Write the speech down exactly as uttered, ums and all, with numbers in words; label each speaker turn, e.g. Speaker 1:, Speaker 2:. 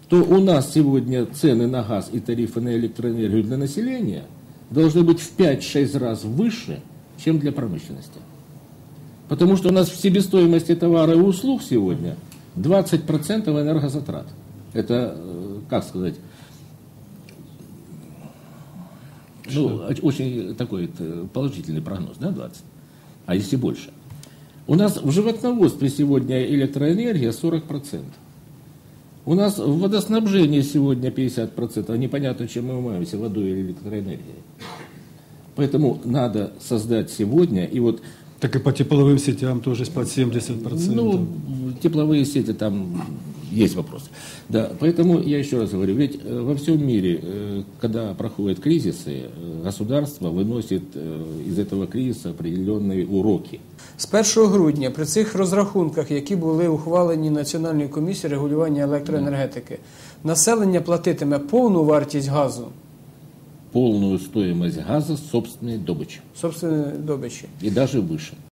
Speaker 1: то у нас сегодня цены на газ и тарифы на электроэнергию для населения должны быть в пять-шесть раз выше, чем для промышленности. Потому что у нас в себестоимости товара и услуг сегодня двадцать процентов энергозатрат. Это, как сказать, ну, очень такой положительный прогноз, да, двадцать? А если больше? У нас в животноводстве сегодня электроэнергия сорок процентов. У нас в водоснабжении сегодня пятьдесят процентов. А непонятно, чем мы умываемся, водой или электроэнергией. Поэтому надо создать сегодня, и вот...
Speaker 2: Так и по тепловым сетям тоже под семьдесят процентов.
Speaker 1: Ну, тепловые сети там есть вопросы. Да, поэтому я еще раз говорю, ведь во всем мире, когда проходят кризисы, государство выносит из этого кризиса определенные уроки.
Speaker 3: З першого грудня при цих розрахунках, які були ухвалені Національною комісією регулювання електроенергетики, населення платитиме повну вартість газу?
Speaker 1: Полную стоимость газа собственной добычи.
Speaker 3: Собственної добичі.
Speaker 1: И даже выше.